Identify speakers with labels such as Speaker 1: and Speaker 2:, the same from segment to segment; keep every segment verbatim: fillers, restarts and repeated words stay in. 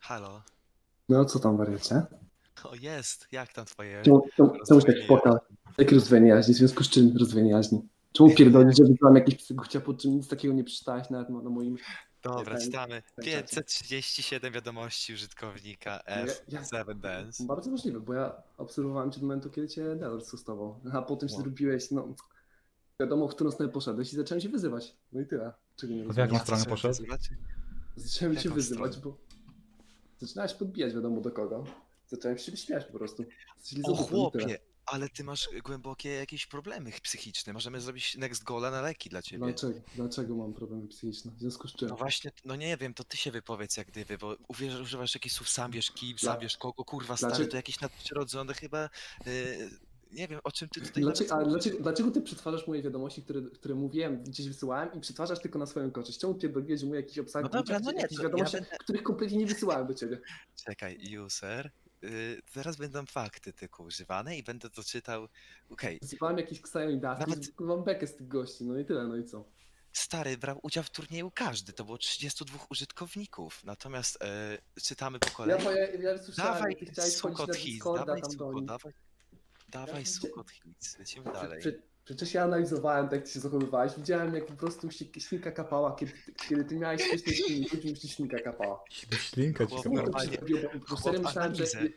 Speaker 1: Halo.
Speaker 2: No co tam, wariacie?
Speaker 1: O, jest. Jak tam twoje
Speaker 2: Czemu, czemu, czemu się tak
Speaker 1: rozwijanie
Speaker 2: płaka?
Speaker 1: jaźni?
Speaker 2: Jakie rozwijanie jaźni? W związku z czym rozwijanie jaźni? Czemu pierdolisz, że wybrałem jakieś psygucia, po czym nic takiego nie przeczytałeś nawet na, na moim
Speaker 1: Dobra,
Speaker 2: ten-
Speaker 1: czytamy.
Speaker 2: ten czacie?
Speaker 1: pięćset trzydzieści siedem wiadomości użytkownika
Speaker 2: No ja,
Speaker 1: F
Speaker 2: ja,
Speaker 1: siedem Dance.
Speaker 2: bardzo możliwe, bo ja obserwowałem cię do momentu, kiedy cię Delor stosował. A potem się
Speaker 1: Wow.
Speaker 2: zrobiłeś, no wiadomo, w którą stronę poszedłeś i zacząłem się wyzywać. No i tyle. Czego nie
Speaker 3: W
Speaker 2: rozumiem.
Speaker 3: jaką
Speaker 1: Ja
Speaker 3: stronę
Speaker 1: zacząłem
Speaker 3: poszedł?
Speaker 1: wyzywać?
Speaker 2: Zacząłem
Speaker 1: w
Speaker 2: cię
Speaker 1: jaką
Speaker 2: wyzywać,
Speaker 1: stronę?
Speaker 2: bo zaczynałeś podbijać wiadomo do kogo. Zacząłem się śmiać po prostu. Jesteś
Speaker 1: O
Speaker 2: lizobutą i tyle.
Speaker 1: chłopie, ale ty masz głębokie jakieś problemy psychiczne. Możemy zrobić next goala na leki dla ciebie.
Speaker 2: Dlaczego, dlaczego mam problemy psychiczne? W związku z czym?
Speaker 1: No właśnie, no nie wiem, to ty się wypowiedz jak gdyby, bo uwierz, używasz jakichś słów sam wiesz kim,
Speaker 2: Dla-
Speaker 1: sam wiesz kogo, kurwa stary,
Speaker 2: Dlaczego-
Speaker 1: to jakieś nadprzyrodzone chyba, yy, nie wiem o czym ty tutaj
Speaker 2: Dlaczego,
Speaker 1: nawet
Speaker 2: ale
Speaker 1: mówisz.
Speaker 2: dlaczego, dlaczego ty przetwarzasz moje wiadomości, które, które mówiłem, gdzieś wysyłałem i przetwarzasz tylko na swoją korzyść? Czemu pierdoliłeś, że mówię jakiś obsag,
Speaker 1: No dobra, no nie,
Speaker 2: jakieś
Speaker 1: to
Speaker 2: wiadomości,
Speaker 1: ja będę-
Speaker 2: których kompletnie nie wysyłałem do ciebie?
Speaker 1: Czekaj, user. Yy, teraz będą fakty tylko używane i będę to czytał. Okej,
Speaker 2: Wysyłałem jakieś Ksajo i Dusty,
Speaker 1: Nawet-
Speaker 2: Nawet... mam bekę z tych gości, no i tyle, no i co?
Speaker 1: stary, brał udział w turnieju każdy, to było trzydziestu dwóch użytkowników. Natomiast e, czytamy po
Speaker 2: Ja,
Speaker 1: kolei.
Speaker 2: ja, ja słyszałem,
Speaker 1: Dawaj,
Speaker 2: jak ty chciałeś wchodzić
Speaker 1: sukot
Speaker 2: na
Speaker 1: hits,
Speaker 2: Discorda
Speaker 1: dawaj,
Speaker 2: tam do
Speaker 1: sukot,
Speaker 2: nich.
Speaker 1: dawaj. Dawaj,
Speaker 2: Ja-
Speaker 1: sukot hits, lecimy
Speaker 2: Prze-
Speaker 1: dalej.
Speaker 2: prze- Przecież ja analizowałem, tak jak ty się zachowywałeś, widziałem jak po prostu śli- ślinka kapała, kiedy, kiedy ty miałeś śmieszne ślinki, później już ci ślinka kapała.
Speaker 3: Ślinka ci
Speaker 1: Chłop,
Speaker 2: Czemu to
Speaker 1: normalnie-
Speaker 2: się zrobiło? Bo- Bo
Speaker 1: chłop
Speaker 2: serio myślałem, że...
Speaker 1: analizę.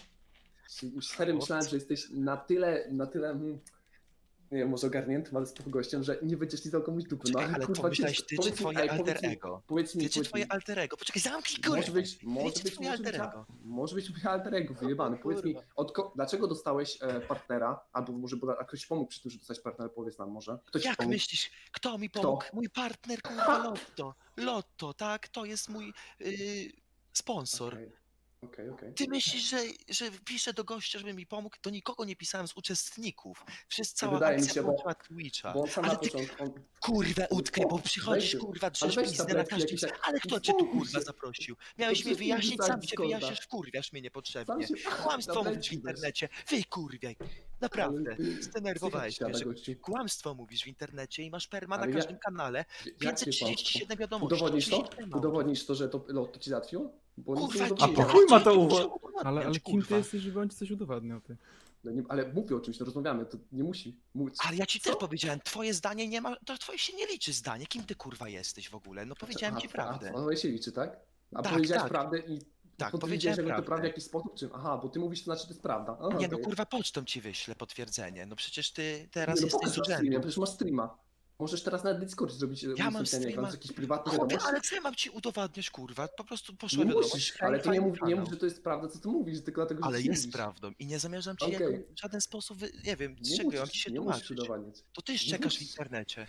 Speaker 2: Już serio myślałem, że jesteś na tyle, na tyle, mm, nie wiem, może ogarniętym, ale spoko gościem, że nie będziesz lizał komuś dupy. No
Speaker 1: Czekaj,
Speaker 2: ale
Speaker 1: ale
Speaker 2: kurwa,
Speaker 1: pomyślałeś
Speaker 2: wiesz,
Speaker 1: ty czy
Speaker 2: powiedz mi-
Speaker 1: twoje
Speaker 2: ej,
Speaker 1: alter
Speaker 2: powiedz mi-
Speaker 1: ego?
Speaker 2: Powiedz mi,
Speaker 1: Ty czy
Speaker 2: powiedz
Speaker 1: twoje
Speaker 2: mi,
Speaker 1: alter ego? Poczekaj, zamknij kurwa!
Speaker 2: może być,
Speaker 1: Ty
Speaker 2: może
Speaker 1: czy
Speaker 2: być,
Speaker 1: twoje
Speaker 2: może być,
Speaker 1: alter ego?
Speaker 2: może być moje alter ego, wyjebany. Powiedz mi,
Speaker 1: kurwa.
Speaker 2: od ko- dlaczego dostałeś e, partnera, albo może bo, a ktoś ci pomógł przy tym, że dostałeś partnera, powiedz nam może. Kto ci
Speaker 1: Jak
Speaker 2: pomógł?
Speaker 1: myślisz, kto mi
Speaker 2: Kto?
Speaker 1: pomógł? Mój partner, kurwa, Lotto. Lotto, tak? To jest mój yy, sponsor.
Speaker 2: Okej, okej, okej.
Speaker 1: Ty myślisz, że, że piszę do gościa, żeby mi pomógł? Do nikogo nie pisałem z uczestników. Wszyscy cała
Speaker 2: wydaje mi
Speaker 1: akcja
Speaker 2: się, bo-
Speaker 1: włączyła Twitcha.
Speaker 2: Bo on sam
Speaker 1: Ale
Speaker 2: na
Speaker 1: ty,
Speaker 2: początku... On,
Speaker 1: kurwa, utkaj, bo
Speaker 2: Weź
Speaker 1: przychodzisz,
Speaker 2: ty,
Speaker 1: kurwa,
Speaker 2: ale
Speaker 1: drzesz
Speaker 2: weź
Speaker 1: pizdę na
Speaker 2: tabletki
Speaker 1: każdym...
Speaker 2: jakieś tak-
Speaker 1: Ale kto cię tu,
Speaker 2: Uspokój
Speaker 1: kurwa,
Speaker 2: się.
Speaker 1: zaprosił? Miałeś
Speaker 2: To
Speaker 1: mnie
Speaker 2: przecież
Speaker 1: wyjaśnić,
Speaker 2: wrzucać
Speaker 1: sam cię
Speaker 2: Discorda.
Speaker 1: wyjaśniasz, wkurwiasz mnie niepotrzebnie.
Speaker 2: Sam się-
Speaker 1: Kłamstwo mówisz w
Speaker 2: tabletki weź.
Speaker 1: internecie. Wykurwiaj. Naprawdę,
Speaker 2: Ale-
Speaker 1: zdenerwowałeś
Speaker 2: Psycha
Speaker 1: mnie,
Speaker 2: ci
Speaker 1: że
Speaker 2: siada, gościu.
Speaker 1: kłamstwo mówisz w internecie i masz perma na
Speaker 2: Ale ja-
Speaker 1: każdym kanale.
Speaker 2: Jakie
Speaker 1: pięćset trzydzieści siedem
Speaker 2: kłamstwo?
Speaker 1: wiadomości.
Speaker 2: Udowodnisz to?
Speaker 1: oczywiście mało.
Speaker 2: Udowodnisz to, że to Lotto ci załatwiło? Bo nic
Speaker 1: Kurwa,
Speaker 2: nie
Speaker 3: A
Speaker 2: udowodnisz.
Speaker 3: po chuj ma to
Speaker 1: nie
Speaker 3: uwo-
Speaker 1: muszę udowodniać,
Speaker 4: Ale, ale kim ty
Speaker 1: kurwa.
Speaker 4: jesteś, żeby on ci coś udowadniał, ty?
Speaker 2: No nie, ale mówię o czymś, to rozmawiamy, to nie musi mówić.
Speaker 1: Ale ja ci
Speaker 2: Co?
Speaker 1: też powiedziałem, twoje zdanie nie ma, to twoje się nie liczy zdanie. Kim ty kurwa jesteś w ogóle? No powiedziałem
Speaker 2: Aha,
Speaker 1: ci
Speaker 2: a-
Speaker 1: prawdę.
Speaker 2: A moje się liczy, tak? A
Speaker 1: Tak,
Speaker 2: powiedziałeś
Speaker 1: tak.
Speaker 2: prawdę i
Speaker 1: Tak,
Speaker 2: potwierdziłeś,
Speaker 1: powiedziałem
Speaker 2: że to
Speaker 1: prawdę.
Speaker 2: prawda w jakiś sposób? Czym? Aha, bo ty mówisz, to znaczy, to jest prawda. Aha,
Speaker 1: Nie no
Speaker 2: okej.
Speaker 1: kurwa, pocztą ci wyślę potwierdzenie. No przecież ty teraz
Speaker 2: Nie, no
Speaker 1: jesteś
Speaker 2: pokaż
Speaker 1: z
Speaker 2: na streamie,
Speaker 1: urzędu.
Speaker 2: przecież masz streama. Możesz teraz na Discord zrobić
Speaker 1: Ja mam
Speaker 2: udostępnianie
Speaker 1: streama.
Speaker 2: ekranu z jakichś prywatnych
Speaker 1: Chłopie,
Speaker 2: wiadomości.
Speaker 1: ale co ja mam ci udowadniać, kurwa? Po prostu poszła
Speaker 2: Nie
Speaker 1: wiadomość.
Speaker 2: musisz,
Speaker 1: hej,
Speaker 2: ale ty nie
Speaker 1: fajny
Speaker 2: mów, nie
Speaker 1: kanał.
Speaker 2: mów, że to jest prawda, co ty mówisz, tylko dlatego, że
Speaker 1: Ale
Speaker 2: ty nie
Speaker 1: jest
Speaker 2: mówisz.
Speaker 1: prawdą i nie zamierzam ci
Speaker 2: Okej.
Speaker 1: jego w żaden sposób, wy- nie wiem, z
Speaker 2: Nie
Speaker 1: czego ja mam ci
Speaker 2: musisz,
Speaker 1: się
Speaker 2: nie musisz
Speaker 1: tłumaczyć.
Speaker 2: udowadniać.
Speaker 1: To ty
Speaker 2: Nie
Speaker 1: szczekasz w
Speaker 2: musisz.
Speaker 1: internecie.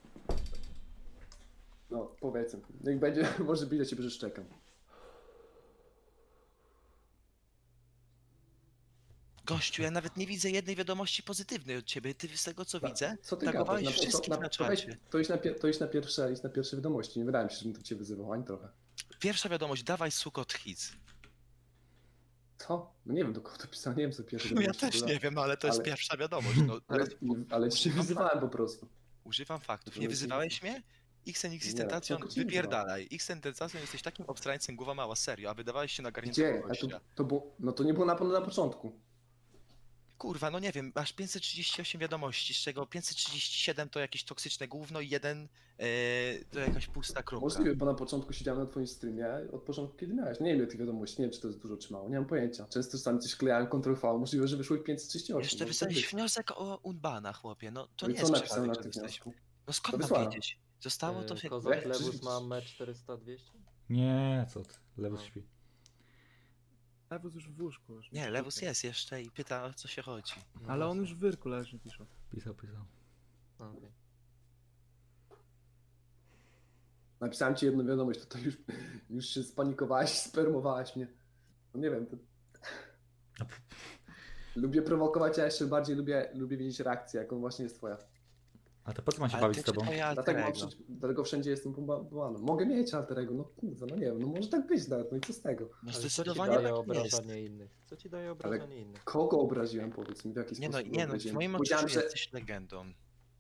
Speaker 2: No, powiedzmy. Niech będzie, może być do ciebie, że szczekam.
Speaker 1: Gościu, ja nawet nie widzę jednej wiadomości pozytywnej od ciebie. Ty z tego co
Speaker 2: Tak,
Speaker 1: widzę,
Speaker 2: co ty
Speaker 1: tagowałeś
Speaker 2: gadasz? Na-
Speaker 1: wszystkich
Speaker 2: to,
Speaker 1: na
Speaker 2: to, weź-
Speaker 1: czacie.
Speaker 2: to, iść na, pie- to iść na pierwsze, iść na pierwsze wiadomości. Nie wydaje mi się, żebym to cię wyzywał, ani trochę.
Speaker 1: Pierwsza wiadomość, dawaj sukot hits.
Speaker 2: Co? No nie wiem, do kogo to pisałem, nie wiem, co pierwsze
Speaker 1: No ja
Speaker 2: wiadomości
Speaker 1: też
Speaker 2: były.
Speaker 1: nie wiem, no ale to jest
Speaker 2: ale-
Speaker 1: pierwsza wiadomość. No,
Speaker 2: Ale,
Speaker 1: teraz
Speaker 2: ale cię
Speaker 1: używam
Speaker 2: wyzywałem po prostu.
Speaker 1: używam faktów.
Speaker 2: To
Speaker 1: Nie
Speaker 2: jest-
Speaker 1: wyzywałeś mnie? Xenix
Speaker 2: Nie,
Speaker 1: Tentacjon,
Speaker 2: tylko cię
Speaker 1: wypierdalaj. Xenix jesteś takim obstrańcem, głowa mała, serio, a wydawałeś się na
Speaker 2: Gdzie?
Speaker 1: garniętego
Speaker 2: A
Speaker 1: gościa.
Speaker 2: to, to było, no to nie było na pewno na początku.
Speaker 1: Kurwa, no nie wiem, masz pięćset trzydzieści osiem wiadomości, z czego pięćset trzydzieści siedem to jakieś toksyczne gówno i jeden e, to jakaś pusta kropka.
Speaker 2: Możliwe, bo na początku siedziałem na twoim streamie, od początku kiedy miałeś. Nie wiem, ile tych wiadomości, nie wiem, czy to jest dużo, czy mało, nie mam pojęcia. Często sam coś klejałem, Ctrl V, możliwe, że wyszło ich pięćset trzydzieści osiem.
Speaker 1: Jeszcze
Speaker 2: może tak
Speaker 1: wysłałeś
Speaker 2: być.
Speaker 1: wniosek o Unbana, chłopie, no to
Speaker 2: No i
Speaker 1: nie
Speaker 2: co
Speaker 1: jest
Speaker 2: napisałem
Speaker 1: przypadek,
Speaker 2: na
Speaker 1: że
Speaker 2: tym
Speaker 1: jesteś...
Speaker 2: wniosku?
Speaker 1: No skąd
Speaker 2: To
Speaker 1: mam
Speaker 2: wysłałem.
Speaker 1: wiedzieć? Zostało to
Speaker 5: Yy,
Speaker 1: się...
Speaker 5: Kozak
Speaker 2: Weź,
Speaker 5: Lewus
Speaker 2: przecież-
Speaker 5: ma mecz czterysta dwieście?
Speaker 3: Nie, co ty. Lewus
Speaker 5: No.
Speaker 3: śpi.
Speaker 4: Lewus już w łóżku. Już
Speaker 1: Nie, Lewus jest jeszcze i pyta, o co się chodzi.
Speaker 5: No
Speaker 4: Ale on
Speaker 5: właśnie.
Speaker 4: już w wyrku leży, pisze.
Speaker 3: Pisał, pisał.
Speaker 5: A, okej.
Speaker 2: Napisałem ci jedną wiadomość, to, to już, już się spanikowałeś, spermowałeś mnie. No nie wiem, to...
Speaker 3: A p-
Speaker 2: Lubię prowokować, a jeszcze bardziej lubię, lubię widzieć reakcję, jaką właśnie jest twoja.
Speaker 3: A to po co mam się
Speaker 1: Ale
Speaker 3: bawić
Speaker 1: ty
Speaker 3: z
Speaker 1: czy
Speaker 3: tobą?
Speaker 1: twoje alter
Speaker 2: Dlatego, mam
Speaker 1: ego?
Speaker 2: wszędzie, dlatego wszędzie jestem pombowany. Mogę mieć alterego, no kurwa, no nie wiem, no może tak być nawet, no i co z tego?
Speaker 1: No
Speaker 5: Ale co ci
Speaker 1: zdecydowanie
Speaker 5: daje
Speaker 1: tak nie jest.
Speaker 5: obrażanie innych? Co ci daje obrażanie innych?
Speaker 2: Kogo obraziłem, powiedz mi, w jaki
Speaker 1: Nie no,
Speaker 2: sposób
Speaker 1: nie
Speaker 2: go
Speaker 1: no, w
Speaker 2: obraziłem?
Speaker 1: moim
Speaker 2: Powiedziałem,
Speaker 1: odczuciu
Speaker 2: że
Speaker 1: jesteś legendą.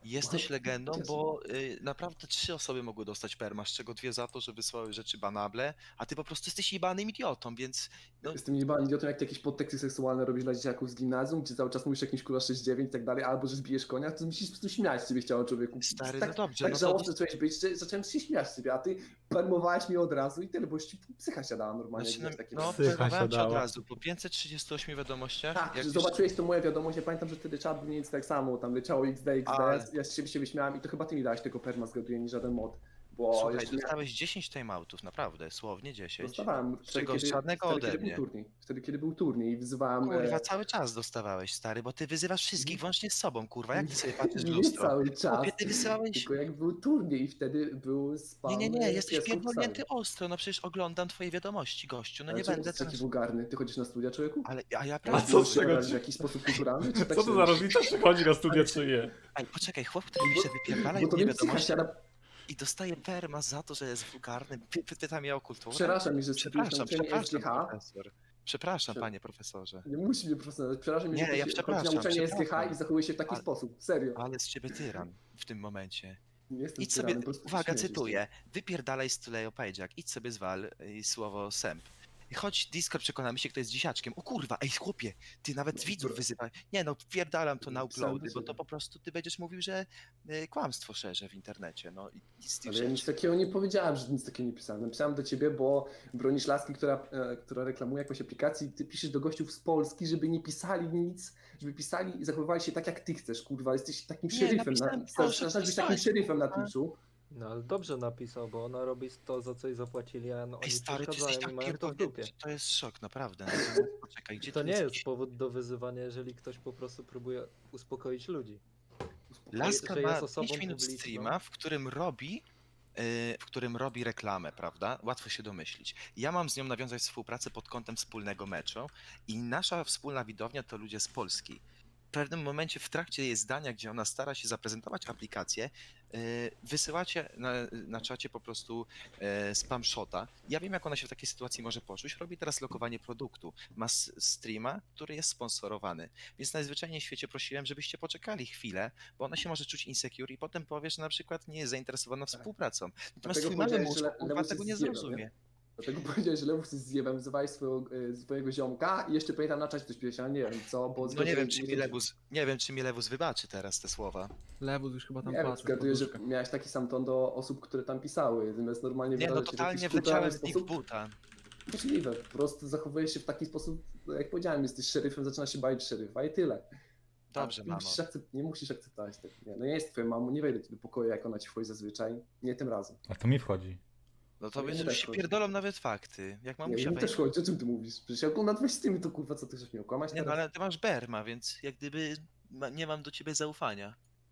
Speaker 1: Jesteś legendą,
Speaker 2: Jezu.
Speaker 1: bo y, naprawdę trzy osoby mogły dostać perma, z czego dwie za to, że wysłały rzeczy banable, a ty po prostu jesteś jebanym idiotą, więc no,
Speaker 2: Jestem jebany idiotą, jak ty jakieś podteksty seksualne robisz dla dzieciaków z gimnazjum, gdzie cały czas mówisz jakimś kurwa sześć dziewięć i tak dalej, albo że zbijesz konia, to musisz po prostu śmiać z ciebie chciało człowieku.
Speaker 1: Stary,
Speaker 2: tak,
Speaker 1: no dobrze,
Speaker 2: tak
Speaker 1: no to-
Speaker 2: żałosny zacząłeś być, że zacząłem się śmiać z ciebie, a ty permowałeś mnie od razu i tyle, bo już ci psycha siadała normalnie.
Speaker 1: znaczy,
Speaker 2: jak
Speaker 1: no,
Speaker 2: takie
Speaker 1: no
Speaker 3: Psycha
Speaker 1: powiem ci od
Speaker 3: siadała.
Speaker 1: razu, po pięćset trzydziestu ośmiu wiadomościach,
Speaker 2: Tak,
Speaker 1: jak
Speaker 2: że
Speaker 1: już-
Speaker 2: zobaczyłeś to moja wiadomość, ja pamiętam, że wtedy czat był nic tak samo, tam leciało X D, X D,
Speaker 1: Ale-
Speaker 2: ja z siebie się wyśmiałem i to chyba ty mi dałeś tego perma, zgaduję, nie żaden mod, bo
Speaker 1: Słuchaj,
Speaker 2: jeszcze miałem-
Speaker 1: dostałeś dziesięć timeoutów, naprawdę, słownie dziesięć.
Speaker 2: dostawałem
Speaker 1: Z czego
Speaker 2: wtedy,
Speaker 1: żadnego
Speaker 2: wtedy,
Speaker 1: ode
Speaker 2: kiedy
Speaker 1: mnie.
Speaker 2: był turniej, wtedy kiedy był turniej i wyzywałem...
Speaker 1: Kurwa,
Speaker 2: e,
Speaker 1: cały czas dostawałeś, stary, bo ty wyzywasz wszystkich włącznie z sobą, kurwa, jak ty sobie patrzysz w
Speaker 2: nie
Speaker 1: lustro?
Speaker 2: cały czas,
Speaker 1: Chłopie, ty wysyłałeś...
Speaker 2: tylko jak był turniej i wtedy był spam...
Speaker 1: Nie, nie, nie,
Speaker 2: e,
Speaker 1: jesteś
Speaker 2: piesków
Speaker 1: pierdolnięty
Speaker 2: psami.
Speaker 1: ostro, no przecież oglądam twoje wiadomości, gościu, no
Speaker 2: Ale
Speaker 1: nie
Speaker 2: czemu
Speaker 1: będę
Speaker 2: jesteś taki
Speaker 1: teraz...
Speaker 2: wulgarny? Ty chodzisz na studia, człowieku?
Speaker 1: Ale, a ja
Speaker 3: A
Speaker 1: prawda...
Speaker 3: co z
Speaker 2: Czy
Speaker 3: czego-
Speaker 2: w jakiś sposób kulturalny? Czy tak
Speaker 3: Co to
Speaker 2: się-
Speaker 3: za rodzica przychodzi na studia, czy nie?
Speaker 1: Ej, poczekaj, chłop, który pisze wypierdalaj
Speaker 2: Bo to
Speaker 1: mnie
Speaker 2: mnie psycha
Speaker 1: wiadomości
Speaker 2: siada.
Speaker 1: i dostaje perma za to, że jest wulgarny, py, py, pyta mnie o kulturę.
Speaker 2: Przeraża mnie, że studiujesz na
Speaker 1: Przepraszam,
Speaker 2: uczelni S G
Speaker 1: przepraszam,
Speaker 2: H.
Speaker 1: profesor. Przepraszam,
Speaker 2: Prze-
Speaker 1: panie profesorze.
Speaker 2: Nie musi mnie profesjonalnie. Przeraża mnie,
Speaker 1: Nie,
Speaker 2: że ty
Speaker 1: ja
Speaker 2: się-
Speaker 1: przepraszam,
Speaker 2: chodzi na uczelni S G H
Speaker 1: przepraszam.
Speaker 2: i zachowuje się w taki
Speaker 1: Ale-
Speaker 2: sposób. Serio.
Speaker 1: Ale z ciebie tyran w tym momencie.
Speaker 2: Nie jestem
Speaker 1: Idź sobie,
Speaker 2: tyranem, po prostu
Speaker 1: uwaga,
Speaker 2: śmieję się z
Speaker 1: cytuję, wypierdalaj z tulejo powiedziak, idź sobie zwal y, słowo sęp. Chodź Discord, przekonamy się, kto jest dzisiaczkiem. O kurwa, ej chłopie, ty nawet widzów wyzywaj. Nie no, wpierdalam to na
Speaker 2: Sam
Speaker 1: uploady, bo
Speaker 2: wyzywaj.
Speaker 1: to po prostu ty będziesz mówił, że y, kłamstwo szerzę w internecie, no i nic z tych
Speaker 2: Ale ja nic
Speaker 1: rzeczy.
Speaker 2: takiego nie powiedziałem, że nic takiego nie pisałem. Napisałem do ciebie, bo bronisz laski, która, e, która reklamuje jakąś aplikację i ty piszesz do gościów z Polski, żeby nie pisali nic, żeby pisali i zachowywali się tak jak ty chcesz, kurwa. Jesteś takim
Speaker 1: Nie,
Speaker 2: szeryfem.
Speaker 1: napisałem
Speaker 2: Na,
Speaker 1: proszę,
Speaker 2: zaczynasz być
Speaker 1: pisałeś,
Speaker 2: takim szeryfem na
Speaker 1: kurwa.
Speaker 2: Twitchu.
Speaker 5: No ale dobrze napisał, bo ona robi to, za co jej zapłacili, a no,
Speaker 1: Ej
Speaker 5: oni
Speaker 1: stary, ty
Speaker 5: przeszkadzają
Speaker 1: jesteś
Speaker 5: i
Speaker 1: tak
Speaker 5: mają to w
Speaker 1: pierdolnięty,
Speaker 5: dupie.
Speaker 1: to jest szok, naprawdę. Natomiast poczekaj, gdzie
Speaker 5: To
Speaker 1: tu
Speaker 5: nie
Speaker 1: jakiś-
Speaker 5: jest powód do wyzywania, jeżeli ktoś po prostu próbuje uspokoić ludzi.
Speaker 1: Laska
Speaker 5: że
Speaker 1: ma
Speaker 5: jest osobą
Speaker 1: pięć minut
Speaker 5: publiczną.
Speaker 1: streama, w którym robi yy, w którym robi reklamę, prawda? Łatwo się domyślić. Ja mam z nią nawiązać współpracę pod kątem wspólnego meczu i nasza wspólna widownia to ludzie z Polski. W pewnym momencie w trakcie jej zdania, gdzie ona stara się zaprezentować aplikację, yy, wysyłacie na, na czacie po prostu yy, spam shota. Ja wiem, jak ona się w takiej sytuacji może poczuć. Robi teraz lokowanie produktu. Ma s- streama, który jest sponsorowany. Więc najzwyczajniej w świecie prosiłem, żebyście poczekali chwilę, bo ona się może czuć insecure i potem powie, że na przykład nie jest zainteresowana współpracą. Natomiast
Speaker 2: Dlatego
Speaker 1: twój mały
Speaker 2: powiedziałeś,
Speaker 1: mózg
Speaker 2: że le-
Speaker 1: kurwa
Speaker 2: Lewus
Speaker 1: tego
Speaker 2: jest
Speaker 1: nie
Speaker 2: zjebem,
Speaker 1: zrozumie.
Speaker 2: Dlatego powiedziałeś, że Lewus jest zjebem, wyzywałeś swojego, e, swojego ziomka i jeszcze pamiętam na czacie coś pisałeś, ale nie wiem co, bo...
Speaker 1: No nie wiem, czy mi Lewus, nie wiem, czy mi Lewus wybaczy teraz te słowa.
Speaker 4: Lewus już chyba tam
Speaker 2: Nie wiem,
Speaker 4: patrzy. w
Speaker 2: zgaduję, że
Speaker 4: poduszkę.
Speaker 2: miałeś taki sam ton do osób, które tam pisały, zamiast normalnie
Speaker 1: Nie, no
Speaker 2: wyrażać się w
Speaker 1: totalnie
Speaker 2: jakiś
Speaker 1: wleciałem
Speaker 2: kulturalny
Speaker 1: z nich w
Speaker 2: sposób.
Speaker 1: buta.
Speaker 2: Możliwe, po prostu zachowujesz się w taki sposób, jak powiedziałem, jesteś szeryfem, zaczynasz się bać szeryfa i tyle.
Speaker 1: Dobrze,
Speaker 2: A nie
Speaker 1: mamo.
Speaker 2: musisz, akcept, nie musisz akceptować tego. Nie, no nie jest twoją mamą, nie wejdę ci do pokoju, jak ona ci wchodzi zazwyczaj. Nie tym razem.
Speaker 3: A to mi wchodzi.
Speaker 1: No to
Speaker 2: Nie,
Speaker 1: będzie
Speaker 2: nie
Speaker 1: już
Speaker 2: tak
Speaker 1: się
Speaker 2: chodzi.
Speaker 1: pierdolą nawet fakty. Jak
Speaker 2: Nie,
Speaker 1: mamusia
Speaker 2: mi też
Speaker 1: wejdzie.
Speaker 2: chodzi, o czym ty mówisz? Przecież jak oglądam twoje streamy, to kurwa, co ty chcesz mnie okłamać
Speaker 1: Nie, no
Speaker 2: teraz?
Speaker 1: ale ty masz Berma, więc jak gdyby ma, nie mam do ciebie zaufania.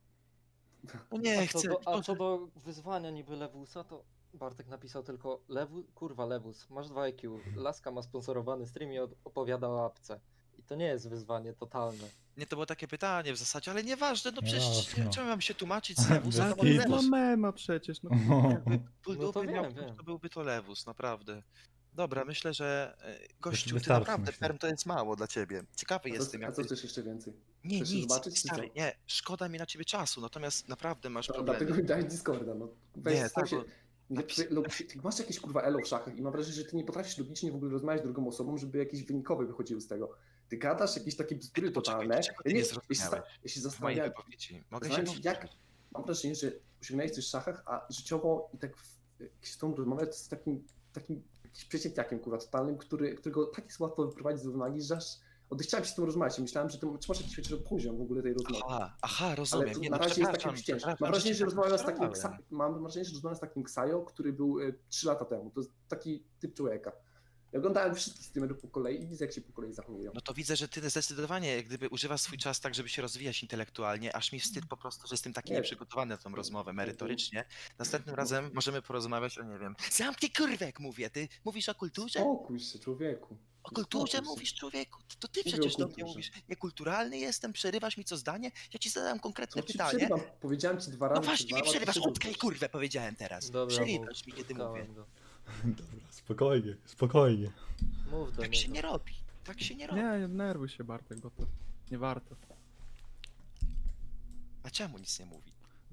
Speaker 1: No nie
Speaker 5: A co,
Speaker 1: chcę.
Speaker 5: do, a
Speaker 1: Boże.
Speaker 5: co do wyzwania niby Lewusa, to Bartek napisał tylko Lewu, kurwa Lewus, masz dwa I Q, Laska ma sponsorowany stream i od- opowiada o apce. I to nie jest wyzwanie totalne.
Speaker 1: Nie, to było takie pytanie w zasadzie, ale nieważne, no przecież
Speaker 3: Jasno.
Speaker 1: czemu mam się tłumaczyć z Lewusa?
Speaker 3: Bez
Speaker 1: To
Speaker 4: Ale
Speaker 1: był
Speaker 3: kitu.
Speaker 4: no
Speaker 1: Lewus.
Speaker 4: mema przecież, no.
Speaker 1: Jakby ból
Speaker 5: No to
Speaker 1: dupy miał,
Speaker 5: wiem,
Speaker 1: to
Speaker 5: wiem.
Speaker 1: byłby to Lewus, naprawdę. Dobra, myślę, że e, gościu, ty
Speaker 3: wystarczy,
Speaker 1: naprawdę
Speaker 3: myślę.
Speaker 1: perm to jest mało dla ciebie. Ciekawy
Speaker 2: A
Speaker 1: jestem,
Speaker 2: co, a
Speaker 1: jak
Speaker 2: co
Speaker 1: ty...
Speaker 2: chcesz jeszcze więcej?
Speaker 1: Nie,
Speaker 2: chcesz się
Speaker 1: nic,
Speaker 2: zobaczyć, czy
Speaker 1: stary,
Speaker 2: co?
Speaker 1: nie, szkoda mi na ciebie czasu, natomiast naprawdę masz
Speaker 2: No,
Speaker 1: problemy.
Speaker 2: dlatego mi dałeś Discorda, no. Weź,
Speaker 1: Nie,
Speaker 2: staw
Speaker 1: tak,
Speaker 2: się...
Speaker 1: bo
Speaker 2: Nie,
Speaker 1: napis-
Speaker 2: ty, log- ty masz jakieś kurwa elo w szachach i mam wrażenie, że ty nie potrafisz logicznie w ogóle rozmawiać z drugą osobą, żeby jakieś wynikowe wychodziły z tego. Ty gadasz jakieś takie bzdury
Speaker 1: Poczekaj,
Speaker 2: totalne.
Speaker 1: czego ty
Speaker 2: Ja
Speaker 1: nie
Speaker 2: ja się, sta-
Speaker 1: zrozumiałeś
Speaker 2: ja się
Speaker 1: w mojej
Speaker 2: zastanawiam,
Speaker 1: wypowiedzi. Mogę się
Speaker 2: zastanawiam się, jak,
Speaker 1: powtórzyć.
Speaker 2: mam wrażenie, że osiągnąłeś coś w szachach, a życiowo i tak w, jak się z tą rozmawiać z takim, takim jakimś przeciętniakiem kurwa totalnym, który, którego tak jest łatwo wyprowadzić z równowagi, że aż odechciałem się z tym rozmawiać i myślałem, że ty czy masz jakiś chociaż poziom w ogóle tej rozmowy.
Speaker 1: Aha, aha,
Speaker 2: Ale
Speaker 1: rozumiem.
Speaker 2: to
Speaker 1: Nie,
Speaker 2: na
Speaker 1: no,
Speaker 2: razie jest
Speaker 1: przepraszam,
Speaker 2: takie wciężkie.
Speaker 1: przepraszam,
Speaker 2: Mam wrażenie, że
Speaker 1: cię
Speaker 2: rozmawiam z
Speaker 1: tak
Speaker 2: takim
Speaker 1: postarałem.
Speaker 2: Ksa- mam wrażenie, że rozmawiam z takim Ksajo, który był e, trzy lata temu. To jest taki typ człowieka. Ja oglądałem wszystkich streamerów po kolei i widzę, jak się po kolei zachowują.
Speaker 1: No to widzę, że ty zdecydowanie jak gdyby używasz swój czas tak, żeby się rozwijać intelektualnie, aż mi wstyd po prostu, że jestem taki
Speaker 2: Nie.
Speaker 1: nieprzygotowany na tą rozmowę merytorycznie. Następnym razem możemy porozmawiać o, nie wiem, zamknij kurwę, jak mówię, ty mówisz o kulturze?
Speaker 2: Spokój się, człowieku.
Speaker 1: O kulturze
Speaker 2: spokój się.
Speaker 1: mówisz, człowieku? To ty
Speaker 2: Mówię
Speaker 1: przecież
Speaker 2: o
Speaker 1: do mnie
Speaker 2: kulturze.
Speaker 1: mówisz. Niekulturalny jestem, przerywasz mi co zdanie? Ja ci zadałem konkretne
Speaker 2: Co ci
Speaker 1: pytanie.
Speaker 2: przerywam? Powiedziałem ci dwa razy.
Speaker 1: No
Speaker 2: czy
Speaker 1: właśnie
Speaker 2: dwa
Speaker 1: mi
Speaker 2: razy,
Speaker 1: przerywasz,
Speaker 2: ty
Speaker 1: utkaj kurwę, powiedziałem teraz.
Speaker 5: Dobra,
Speaker 1: Przerywasz
Speaker 5: mów,
Speaker 1: mi, kiedy
Speaker 5: utkałem
Speaker 1: mówię.
Speaker 5: go.
Speaker 3: Dobra, spokojnie, spokojnie.
Speaker 5: Mów do
Speaker 1: Tak się
Speaker 5: niego.
Speaker 1: nie robi. Tak się nie robi.
Speaker 4: Nie, nie denerwuj się Bartek, bo to nie warto.
Speaker 1: A czemu nic nie mówi?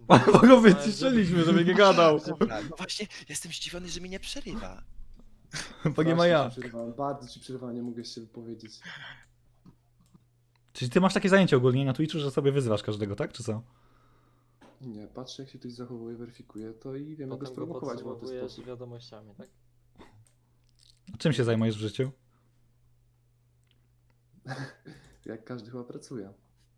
Speaker 3: Bo go wyciszyliśmy, żeby nie gadał.
Speaker 1: Dobra, no właśnie, jestem zdziwiony, że mi nie przerywa.
Speaker 3: Bo nie ma ja.
Speaker 2: Ci przerwałem, bardzo ci przerwałem, nie mogę się wypowiedzieć.
Speaker 3: Czyli ty masz takie zajęcie ogólnie na Twitchu, że sobie wyzywasz każdego, tak? Czy co?
Speaker 2: Nie, patrzę jak się ktoś zachowuje, weryfikuję to i wiem jak go
Speaker 5: Potem go
Speaker 2: sprowokować w łatwy
Speaker 5: podsumowujesz
Speaker 2: sposób.
Speaker 5: wiadomościami, tak?
Speaker 3: Czym się zajmujesz w życiu?
Speaker 2: Jak każdy chyba pracuje.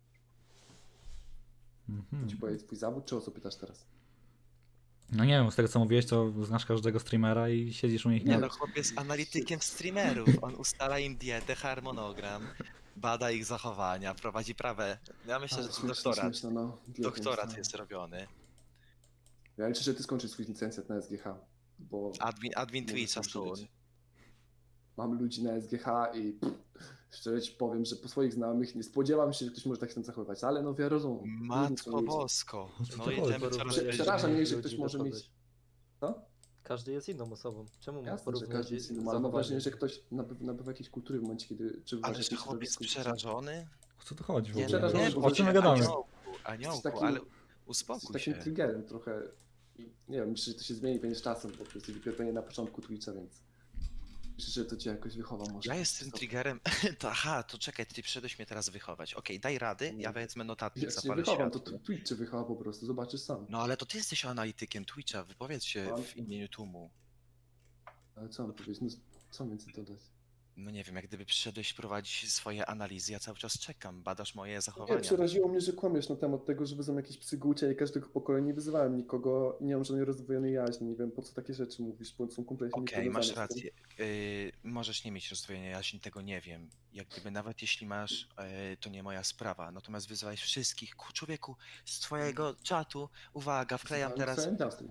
Speaker 3: Mhm.
Speaker 2: Ci powiedzieć twój zawód, czy o co pytasz teraz?
Speaker 3: No nie wiem, z tego co mówiłeś, to znasz każdego streamera i siedzisz u nich,
Speaker 1: Nie
Speaker 3: nie?
Speaker 1: no, chłop jest analitykiem streamerów. On ustala im dietę, harmonogram, bada ich zachowania, prowadzi prawe. Ja myślę,
Speaker 2: Ale
Speaker 1: że to
Speaker 2: śmieszne,
Speaker 1: doktorat,
Speaker 2: śmieszne, no. Dietę
Speaker 1: doktorat
Speaker 2: ustala.
Speaker 1: jest robiony.
Speaker 2: Ja liczę, że ty skończysz swój licencjat na S G H, bo
Speaker 1: Admin, admin
Speaker 2: mogę
Speaker 1: Twitcha
Speaker 2: sobie
Speaker 1: soon.
Speaker 2: żyć. Mam ludzi na S G H i pff, szczerze ci powiem, że po swoich znajomych nie spodziewam się, że ktoś może tak się tam zachowywać, ale no wiadomo. różni są
Speaker 1: Matko
Speaker 2: ludzie.
Speaker 1: bosko.
Speaker 3: O co
Speaker 1: No
Speaker 3: to
Speaker 1: jedziemy
Speaker 3: chodzi?
Speaker 1: coraz
Speaker 5: Porównujesz
Speaker 1: wyżej.
Speaker 2: Przeraża mnie, że
Speaker 5: ludzi
Speaker 2: ktoś
Speaker 5: do
Speaker 2: może
Speaker 5: kogoś.
Speaker 2: mieć... Co?
Speaker 5: Każdy jest inną osobą. Czemu mam
Speaker 2: Jasne, że
Speaker 5: porównać
Speaker 2: każdy jest inny, ale mam
Speaker 5: zachowanie?
Speaker 2: wrażenie, że ktoś nabywa, nabywa jakiejś kultury w momencie, kiedy... Czy
Speaker 1: Ale
Speaker 2: właśnie
Speaker 1: że
Speaker 2: się
Speaker 1: chłop jest
Speaker 2: środowisku-
Speaker 1: przerażony?
Speaker 3: O co to chodzi w
Speaker 1: Nie,
Speaker 3: ogóle?
Speaker 2: przerażony,
Speaker 3: O czym my
Speaker 2: że-
Speaker 3: gadamy?
Speaker 1: Aniołku, aniołku,
Speaker 2: takim-
Speaker 1: ale
Speaker 2: Jesteś
Speaker 1: uspokój
Speaker 2: takim
Speaker 1: się.
Speaker 2: triggerem trochę. I nie wiem, myślę, że to się zmieni pewnie z czasem, bo jesteś dopiero pewnie na początku Twitcha, więc myślę, że to cię jakoś wychowa może.
Speaker 1: Ja jestem triggerem. To, aha, to czekaj, ty przyszedłeś mnie teraz wychować. Okej, daj rady, ja wezmę notatnik,
Speaker 2: Jak się
Speaker 1: zapalę
Speaker 2: wychowam, to
Speaker 1: światło.
Speaker 2: tu- Twitch cię wychowa po prostu, zobaczysz sam.
Speaker 1: No ale to ty jesteś analitykiem Twitcha, wypowiedz się
Speaker 2: Mam-
Speaker 1: w imieniu tłumu.
Speaker 2: Ale co mam powiedzieć, no co więcej dodać?
Speaker 1: No nie wiem, jak gdyby przyszedłeś prowadzić swoje analizy, ja cały czas czekam, badasz moje
Speaker 2: Nie,
Speaker 1: zachowania.
Speaker 2: przeraziło mnie, że kłamiesz na temat tego, że wyzywam jakieś psy gucia i każdego pokoju nie wyzywałem nikogo i nie mam żadnej rozdwojonej jaźni, nie wiem po co takie rzeczy mówisz, bo są kompletnie
Speaker 1: Okej, masz
Speaker 2: niepowiązane z tym.
Speaker 1: rację. Yy, możesz nie mieć rozdwojenia jaźni, tego nie wiem. Jak gdyby nawet jeśli masz, yy, to nie moja sprawa. Natomiast wyzywałeś wszystkich. Ku- Człowieku, z twojego czatu, uwaga, wklejam
Speaker 2: Wyzywałem
Speaker 1: teraz
Speaker 2: całe miasto.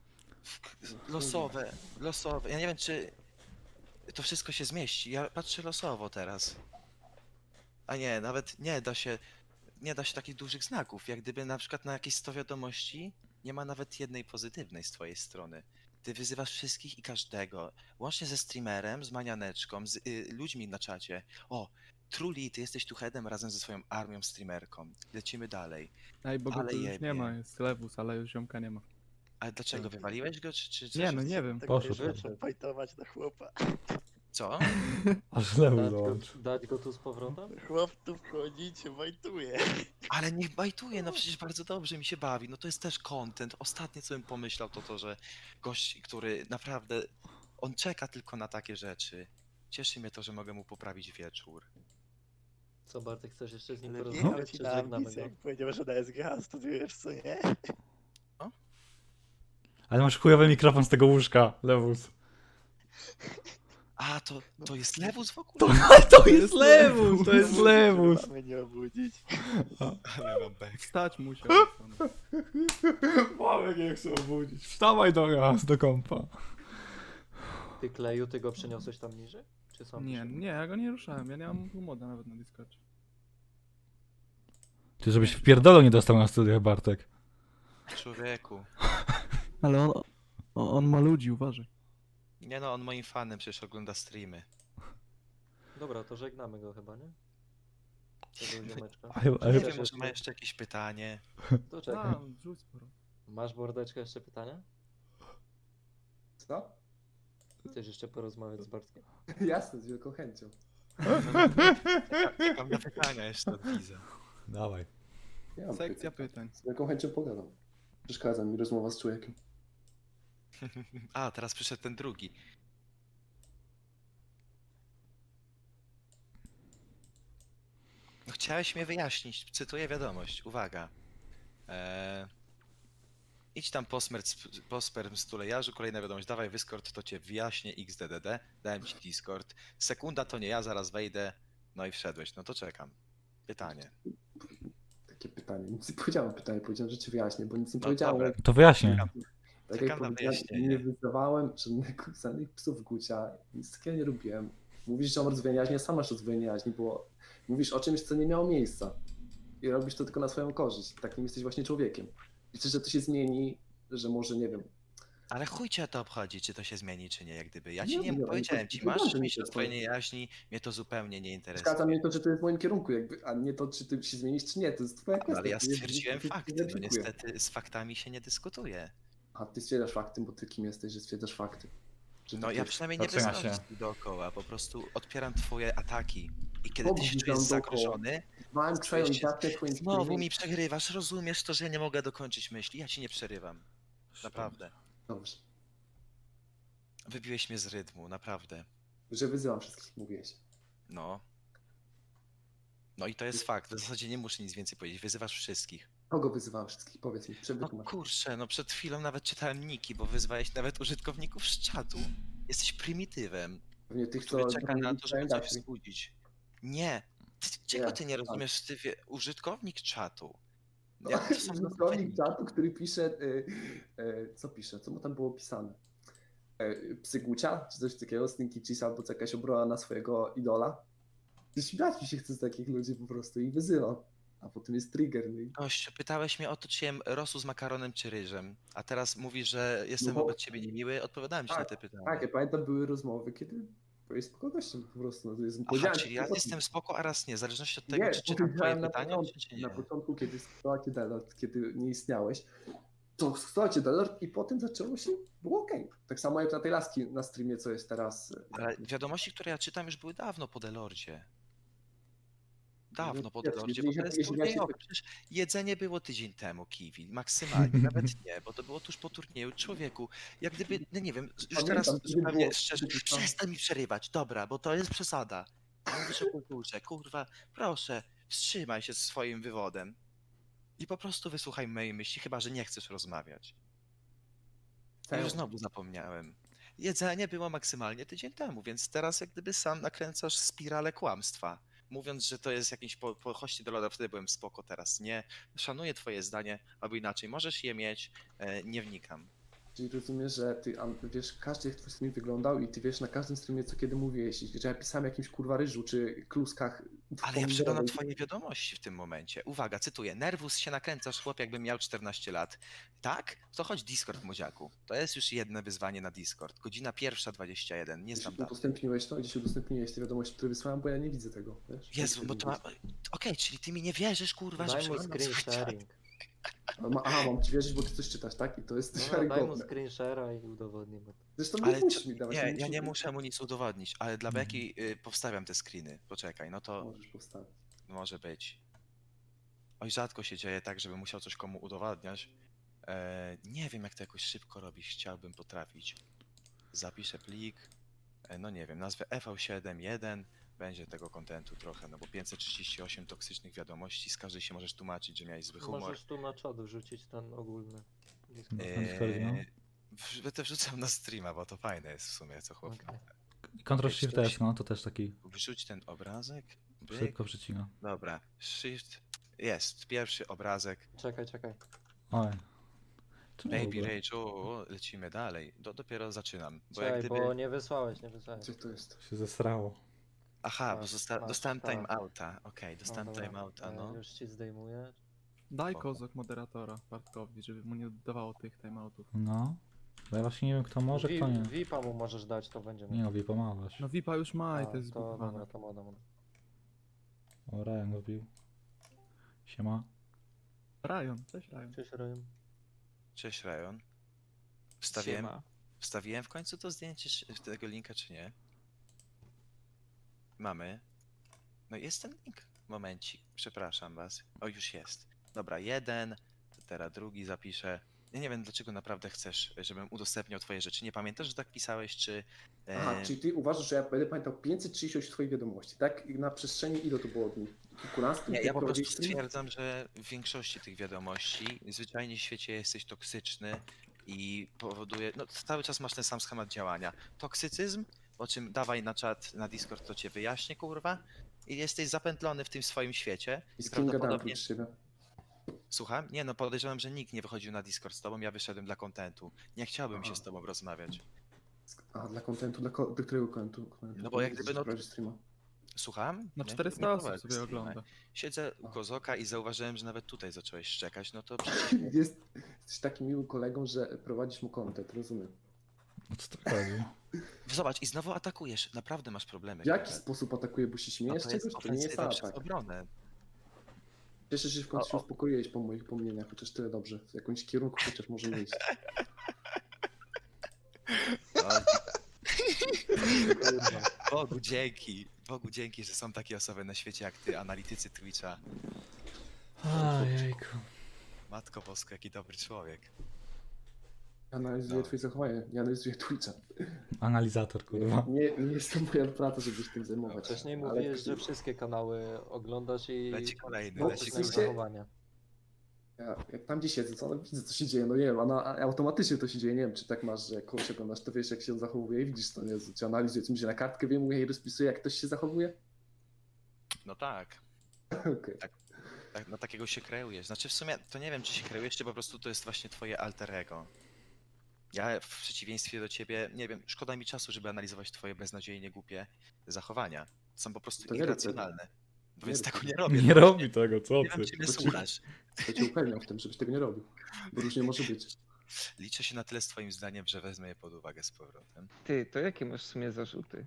Speaker 1: w- losowe, losowe. Ja nie wiem, czy to wszystko się zmieści. Ja patrzę losowo teraz. A nie, nawet nie da się, nie da się takich dużych znaków. Jak gdyby na przykład na jakieś sto wiadomości nie ma nawet jednej pozytywnej z twojej strony. Ty wyzywasz wszystkich i każdego, łącznie ze streamerem, z manianeczką, z y, ludźmi na czacie. O, Truli, ty jesteś tu headem razem ze swoją armią streamerką. Lecimy dalej.
Speaker 4: Ej, bo go
Speaker 1: Ale
Speaker 4: tu już nie
Speaker 1: jebie.
Speaker 4: ma, jest Lewus, ale już ziomka nie ma.
Speaker 1: Ale dlaczego, wywaliłeś go, czy, czy coś?
Speaker 4: Nie no, nie wiem.
Speaker 3: Poszło
Speaker 6: Tak
Speaker 3: to.
Speaker 6: fajtować na chłopa.
Speaker 1: Co?
Speaker 3: Aż lewu
Speaker 5: Dać go,
Speaker 3: dołączył.
Speaker 5: dać go tu z powrotem?
Speaker 6: Chłop tu wchodzi i cię bajtuje.
Speaker 1: Ale niech bajtuje, no przecież bardzo dobrze mi się bawi. No to jest też content. Ostatnie co bym pomyślał to to, że gość, który naprawdę, on czeka tylko na takie rzeczy. Cieszy mnie to, że mogę mu poprawić wieczór.
Speaker 5: Co Bartek, chcesz jeszcze z nim
Speaker 6: Ale
Speaker 5: porozmawiać,
Speaker 6: wjechał
Speaker 5: czy
Speaker 6: ci na
Speaker 5: żegnamy
Speaker 6: ambicję,
Speaker 5: go?
Speaker 6: jak powiedział, że na S G H studiujesz, co nie?
Speaker 3: Ale masz chujowy mikrofon z tego łóżka, Lewus.
Speaker 1: A, to, to jest lewus w ogóle?
Speaker 3: To, to jest Lewus, to jest Lewus.
Speaker 6: Mamy nie obudzić.
Speaker 1: Ale mam bek.
Speaker 4: Wstać musiał.
Speaker 3: Mamy nie chcę obudzić. Wstawaj do nas, do kompa.
Speaker 5: Ty Kleju, ty go przeniosłeś tam niżej? Czy sam
Speaker 4: Nie,
Speaker 5: przyszedł?
Speaker 4: nie, ja go nie ruszałem, ja nie mam moda nawet na Discordzie.
Speaker 3: Ty żebyś w pierdolu nie dostał na studiach, Bartek.
Speaker 1: Człowieku.
Speaker 4: Ale on, on ma ludzi, uważaj.
Speaker 1: Nie no, on moim fanem przecież ogląda streamy.
Speaker 5: Dobra, to żegnamy go chyba, nie? Tego ziomeczka.
Speaker 3: Ale,
Speaker 1: Nie
Speaker 3: ale,
Speaker 1: wiem,
Speaker 5: Też
Speaker 1: może ma
Speaker 5: jeszcze-
Speaker 1: jeszcze jakieś pytanie.
Speaker 5: To czekaj.
Speaker 4: A, rzuć sporo.
Speaker 5: Masz Bordeczka jeszcze pytania?
Speaker 2: Co?
Speaker 5: Chcesz jeszcze porozmawiać z Bartkiem?
Speaker 2: Jasne, z wielką chęcią.
Speaker 1: Czekam na pytania jeszcze od Giza.
Speaker 3: dawaj.
Speaker 2: Ja mam
Speaker 4: Sekcja
Speaker 2: pytań.
Speaker 4: pytań.
Speaker 2: Z wielką chęcią pogadam. Przeszkadza mi rozmowa z człowiekiem.
Speaker 1: A, teraz przyszedł ten drugi. No, chciałeś mnie wyjaśnić, cytuję wiadomość, uwaga. Eee, idź tam po, smerc, po sperm stulejarzu, kolejna wiadomość, dawaj Discord, to cię wyjaśnię, X D D D, dałem ci Discord. Sekunda to nie ja, zaraz wejdę, no i wszedłeś, no to czekam. Pytanie.
Speaker 2: Takie pytanie. Nic nie powiedziałem pytanie, powiedziałem, że ci wyjaśnię, bo nic nie
Speaker 1: No
Speaker 2: powiedziałem.
Speaker 1: dobra.
Speaker 3: To wyjaśnię.
Speaker 2: Tak
Speaker 1: Czekam
Speaker 2: jak
Speaker 1: na
Speaker 2: powiedziałem,
Speaker 1: wyjaśnienie.
Speaker 2: nie wyzywałem żadnych, żadnych psów gucia, nic takiego nie robiłem. Mówisz, że mam rozdwojenie jaźni, a sam masz rozdwojenie jaźni, bo mówisz o czymś, co nie miało miejsca. I robisz to tylko na swoją korzyść. Takim jesteś właśnie człowiekiem. Liczę, że to się zmieni, że może, nie wiem,
Speaker 1: Ale chuj cię to obchodzi, czy to się zmieni, czy nie, jak gdyby. Ja
Speaker 2: Nie,
Speaker 1: ci nie
Speaker 2: nie,
Speaker 1: powiedziałem
Speaker 2: to-
Speaker 1: ci,
Speaker 2: to
Speaker 1: masz
Speaker 2: bardzo
Speaker 1: mieć
Speaker 2: mi
Speaker 1: do
Speaker 2: się
Speaker 1: twojej
Speaker 2: to-
Speaker 1: niejaźni, mnie to zupełnie nie
Speaker 2: Przeszkadza
Speaker 1: interesuje.
Speaker 2: mnie to, że to jest w moim kierunku, jakby, a nie to, czy ty się zmienisz, czy nie. To jest twoja
Speaker 1: No,
Speaker 2: kwestia.
Speaker 1: ale ja
Speaker 2: to jest-
Speaker 1: stwierdziłem
Speaker 2: to- to- to
Speaker 1: fakty, no
Speaker 2: weryfikuję.
Speaker 1: niestety z faktami się nie dyskutuje.
Speaker 2: A ty stwierdzasz fakty, bo ty kim jesteś, że stwierdzasz fakty. Że
Speaker 1: No
Speaker 2: tak
Speaker 1: ja
Speaker 2: jest.
Speaker 1: przynajmniej nie
Speaker 3: Zatrzyma
Speaker 1: wyznam
Speaker 3: się.
Speaker 1: się dookoła, po prostu odpieram twoje ataki. I kiedy
Speaker 2: Kogo
Speaker 1: ty się
Speaker 2: wyznam
Speaker 1: czujesz
Speaker 2: dookoła?
Speaker 1: zagrożony,
Speaker 2: Mam twoją
Speaker 1: czujesz się-
Speaker 2: datę, twoim
Speaker 1: znowu
Speaker 2: filmem.
Speaker 1: mi przerywasz, rozumiesz to, że ja nie mogę dokończyć myśli, ja ci nie przerywam. Naprawdę.
Speaker 2: Dobrze.
Speaker 1: Wybiłeś mnie z rytmu, naprawdę.
Speaker 2: Że wyzywam wszystkich, mówiłeś.
Speaker 1: No. No i to jest fakt, w zasadzie nie muszę nic więcej powiedzieć, wyzywasz wszystkich.
Speaker 2: Kogo wyzywałem wszystkich? Powiedz mi,
Speaker 1: No
Speaker 2: przewytłumacz.
Speaker 1: kurczę, no przed chwilą nawet czytałem niki, bo wyzwałeś nawet użytkowników z czatu. Jesteś prymitywem,
Speaker 2: Pewnie tych, co...
Speaker 1: który czeka na to, żeby
Speaker 2: czytają
Speaker 1: coś
Speaker 2: Dashi.
Speaker 1: wzbudzić. Nie. Ty, czego
Speaker 2: Nie,
Speaker 1: ty nie
Speaker 2: tak.
Speaker 1: rozumiesz, Stywie? Użytkownik czatu. Jak to są
Speaker 2: Użytkownik czatu, który pisze... Y, y, co pisze? Co mu tam było pisane? Y, Psygucia? Czy coś takiego? Stinky Cheese albo co jakaś obrona na swojego idola? Śmiać mi się chce z takich ludzi po prostu i wyzywam. A potem jest trigger. No i...
Speaker 1: Gościu, pytałeś mnie o to, czy jem rosół z makaronem czy ryżem, a teraz mówisz, że jestem
Speaker 2: No bo-
Speaker 1: wobec ciebie niemiły, odpowiadałem ci na te pytania.
Speaker 2: Tak, ja pamiętam, były rozmowy, kiedy byłeś spoko gościem po prostu. No to jest,
Speaker 1: Aha,
Speaker 2: powiedziałem
Speaker 1: czyli
Speaker 2: ci
Speaker 1: raz
Speaker 2: o tym.
Speaker 1: jestem spoko, a raz nie, w zależności od tego,
Speaker 2: Nie,
Speaker 1: czy czytam twoje
Speaker 2: powiedziałem na
Speaker 1: pytania,
Speaker 2: początku,
Speaker 1: czy, czy
Speaker 2: na
Speaker 1: nie.
Speaker 2: początku, kiedy składał cię Delord, kiedy nie istniałeś, to składał cię Delord i potem zaczęło się, było okej. Tak samo jak na tej laski na streamie, co jest teraz.
Speaker 1: Ale wiadomości, które ja czytam, już były dawno po Delordzie. Dawno po
Speaker 2: Wiesz,
Speaker 1: Delordzie,
Speaker 2: jeżeli-
Speaker 1: bo to jest
Speaker 2: jeżeli ja się-
Speaker 1: turniejowe. Przecież jedzenie było tydzień temu, Kiwi, maksymalnie, nawet nie, bo to było tuż po turnieju. Człowieku, jak gdyby, no nie wiem, już
Speaker 2: Pamiętam,
Speaker 1: teraz
Speaker 2: kiedy
Speaker 1: zupełnie
Speaker 2: było-
Speaker 1: szczerze,
Speaker 2: kiedy tam-
Speaker 1: przestań mi przerywać, dobra, bo to jest przesada. Mówisz o kulturze, kurwa, proszę, wstrzymaj się z swoim wywodem i po prostu wysłuchaj mojej myśli, chyba że nie chcesz rozmawiać. Ja już znowu zapomniałem. Jedzenie było maksymalnie tydzień temu, więc teraz jak gdyby sam nakręcasz spiralę kłamstwa. Mówiąc, że to jest jakiś po, po hości do loda, wtedy byłem spoko, teraz nie. Szanuję twoje zdanie, albo inaczej, możesz je mieć, e, nie wnikam.
Speaker 2: Czyli rozumiesz, że ty An- wiesz, każdy jak twój stream wyglądał i ty wiesz na każdym streamie, co kiedy mówiłeś, i że ja pisałem o jakimś kurwa ryżu czy kluskach.
Speaker 1: Ale ja przeglądam
Speaker 2: pomidorowej.
Speaker 1: twoje wiadomości w tym momencie. Uwaga, cytuję. Nerwus się nakręcasz, chłop, jakbym miał czternaście lat. Tak? To chodź Discord, młodziaku. To jest już jedno wyzwanie na Discord. Godzina pierwsza dwadzieścia jeden, nie
Speaker 2: Gdzieś
Speaker 1: znam daty.
Speaker 2: udostępniłeś to, gdzieś udostępniłeś te wiadomości, które wysłałem, bo ja nie widzę tego, wiesz?
Speaker 1: Jezu, bo to ma... Okej, czyli ty mi nie wierzysz, kurwa, że
Speaker 5: Daj mu
Speaker 1: przeglądam
Speaker 5: screen
Speaker 1: swój czat.
Speaker 5: sharing.
Speaker 2: A ma- Aha, mam ci wierzyć, bo ty coś czytasz, tak? I to jest
Speaker 5: No, daj mu
Speaker 2: wiarygodne.
Speaker 5: screen share'a i udowodnij mu.
Speaker 2: Zresztą
Speaker 1: Ale
Speaker 2: nie musisz
Speaker 1: czy-
Speaker 2: mi dawać.
Speaker 1: nie, ja
Speaker 2: musisz
Speaker 1: nie
Speaker 2: mi-
Speaker 1: muszę mu nic udowodnić, ale dla
Speaker 3: Mhm.
Speaker 1: Beki y, powstawiam te screeny. Poczekaj, no to
Speaker 2: Możesz postawić.
Speaker 1: może być. Oj, rzadko się dzieje tak, żebym musiał coś komu udowadniać. E, nie wiem, jak to jakoś szybko robić, chciałbym potrafić. Zapiszę plik, e, no nie wiem, nazwę F V siedem jeden, będzie tego kontentu trochę, no bo pięćset trzydzieści osiem toksycznych wiadomości, z każdej się możesz tłumaczyć, że miałeś zły humor.
Speaker 5: Możesz tu na czat wrzucić ten ogólny. Discord.
Speaker 3: Na Discordzie, no.
Speaker 1: Eee, w- to wrzucam na streama, bo to fajne jest w sumie, co chłop.
Speaker 5: Okej.
Speaker 3: Ctrl
Speaker 1: Wiesz,
Speaker 3: Shift
Speaker 1: coś-
Speaker 3: S, no to też taki
Speaker 1: Wrzuć ten obrazek. Byk.
Speaker 3: szybko przycina.
Speaker 1: Dobra, shift. Jest, pierwszy obrazek.
Speaker 5: Czekaj, czekaj.
Speaker 3: Oj. Czemu w
Speaker 1: Baby
Speaker 3: ogóle?
Speaker 1: Rage, o, o, lecimy dalej. Do, dopiero zaczynam. Bo
Speaker 5: Czekaj,
Speaker 1: jak gdyby...
Speaker 5: bo nie wysłałeś, nie wysłałeś.
Speaker 2: Gdzie to jest?
Speaker 3: Się zesrało.
Speaker 1: Aha, bo
Speaker 5: Masz,
Speaker 1: zosta...
Speaker 5: masz,
Speaker 1: dostałem
Speaker 5: tak.
Speaker 1: timeouta. Okej, dostałem
Speaker 5: No dobra,
Speaker 1: timeouta,
Speaker 5: e,
Speaker 1: no.
Speaker 5: Już ci zdejmuję.
Speaker 4: Daj
Speaker 1: Spoko.
Speaker 4: kozak moderatora Bartkowi, żeby mu nie oddawało tych timeoutów.
Speaker 3: No. Bo ja właśnie nie wiem, kto może,
Speaker 5: Vi-
Speaker 3: kto nie.
Speaker 5: V-Ipa mu możesz dać, to będzie
Speaker 3: Nie no, wie pomagasz.
Speaker 4: No V I P a już ma i
Speaker 5: A,
Speaker 4: to jest
Speaker 5: to
Speaker 4: zbudowane.
Speaker 5: dobra, to moda, moda.
Speaker 3: O, Ryan go wbił. Siema.
Speaker 4: Ryan, cześć Ryan.
Speaker 5: Cześć, Ryan.
Speaker 1: Cześć, Ryan. Wstawiłem, wstawiłem w końcu to zdjęcie czy- tego linka, czy nie? Mamy. No jest ten link. Momencik, przepraszam was. O, już jest. Dobra, jeden, teraz drugi zapiszę. Ja nie wiem, dlaczego naprawdę chcesz, żebym udostępniał twoje rzeczy. Nie pamiętasz, że tak pisałeś, czy... e,
Speaker 2: Aha, czyli ty uważasz, że ja będę pamiętał pięćset trzydzieści osiem twoich wiadomości, tak? I na przestrzeni ile to było dni? Kilkunastu?
Speaker 1: Nie,
Speaker 2: Jak
Speaker 1: ja po prostu
Speaker 2: prowadziłeś stream?
Speaker 1: stwierdzam, że w większości tych wiadomości zwyczajnie w świecie jesteś toksyczny i powoduje, no cały czas masz ten sam schemat działania. Toksycyzm, o czym dawaj na czat, na Discord, to cię wyjaśnię, kurwa, i jesteś zapętlony w tym swoim świecie.
Speaker 2: I z kim gadałem
Speaker 1: prawdopodobnie...
Speaker 2: oprócz siebie?
Speaker 1: Słucham? Nie, no podejrzewam, że nikt nie wychodził na Discord z tobą, ja wyszedłem dla kontentu. Nie chciałbym się
Speaker 2: Aha.
Speaker 1: z tobą rozmawiać.
Speaker 2: A, dla kontentu, dla, ko- do którego kontentu?
Speaker 1: No bo jak gdyby, no-
Speaker 2: prowadzisz streama?
Speaker 1: Słucham?
Speaker 7: Na
Speaker 1: Nie-
Speaker 7: czterysta
Speaker 1: nie
Speaker 7: osób
Speaker 1: prowadzę
Speaker 7: sobie
Speaker 1: streama.
Speaker 7: ogląda.
Speaker 1: Siedzę u Kozoka i zauważyłem, że nawet tutaj zacząłeś szczekać, no to przecież
Speaker 2: Jest, jesteś takim miłym kolegą, że prowadzisz mu content, rozumiem.
Speaker 3: O co to chodzi?
Speaker 1: zobacz i znowu atakujesz, naprawdę masz problemy.
Speaker 2: W jaki
Speaker 1: kurde.
Speaker 2: sposób atakuje, bo się
Speaker 1: No
Speaker 2: śmiejesz
Speaker 1: to jest
Speaker 2: czegoś? To nie jest
Speaker 1: ofensywa przez
Speaker 2: atak.
Speaker 1: obronę.
Speaker 2: Cieszę się, że w końcu się
Speaker 1: O, o.
Speaker 2: uspokoiłeś po moich pomnieniach, chociaż tyle dobrze. W jakimś kierunku chociaż może iść.
Speaker 1: No,
Speaker 5: Kurwa.
Speaker 1: Bogu dzięki, Bogu dzięki, że są takie osoby na świecie jak ty, analitycy Twitcha.
Speaker 3: Ojejku.
Speaker 1: Matko Boska, jaki dobry człowiek.
Speaker 2: Ja analizuję
Speaker 1: No.
Speaker 2: twoje zachowanie, ja analizuję Twitcha.
Speaker 3: Analizator, kurwa.
Speaker 2: Nie, nie jest to moja praca, żeby się tym zajmować.
Speaker 5: Wcześniej
Speaker 2: Ale-
Speaker 5: mówiłeś, że wszystkie kanały oglądasz i
Speaker 1: Leci kolejny,
Speaker 2: No,
Speaker 1: leci
Speaker 2: w
Speaker 5: opisujesz
Speaker 2: sensie-
Speaker 1: kolejny.
Speaker 5: zachowania.
Speaker 2: Ja, jak tam gdzie siedzę, to no, widzę co się dzieje, no nie wiem, a, na, a automatycznie to się dzieje, nie wiem czy tak masz, że jak kogoś oglądasz, to wiesz jak się on zachowuje i widzisz to, nie? Czy analizuje, co mi się na kartkę wyjmuje i rozpisuje jak ktoś się zachowuje?
Speaker 1: No tak,
Speaker 2: Okej.
Speaker 1: tak, na takiego się kreujesz. Znaczy w sumie to nie wiem, czy się kreujesz, czy po prostu to jest właśnie twoje alter ego. Ja w przeciwieństwie do ciebie, nie wiem, szkoda mi czasu, żeby analizować twoje beznadziejnie głupie zachowania. Są po prostu
Speaker 2: To nie rób tego.
Speaker 1: irracjonalne.
Speaker 2: Nie
Speaker 1: Więc
Speaker 2: rób
Speaker 1: tego
Speaker 2: tego.
Speaker 1: nie robię.
Speaker 3: Nie
Speaker 1: no
Speaker 3: robi tego, co
Speaker 1: Nie
Speaker 3: ty?
Speaker 1: wiem, czy mnie
Speaker 2: To ci-
Speaker 1: słuchasz.
Speaker 2: To cię upewniam w tym, żebyś tego nie robił, bo różnie może być.
Speaker 1: Liczę się na tyle z twoim zdaniem, że wezmę je pod uwagę z powrotem.
Speaker 8: Ty, to jakie masz w sumie zarzuty?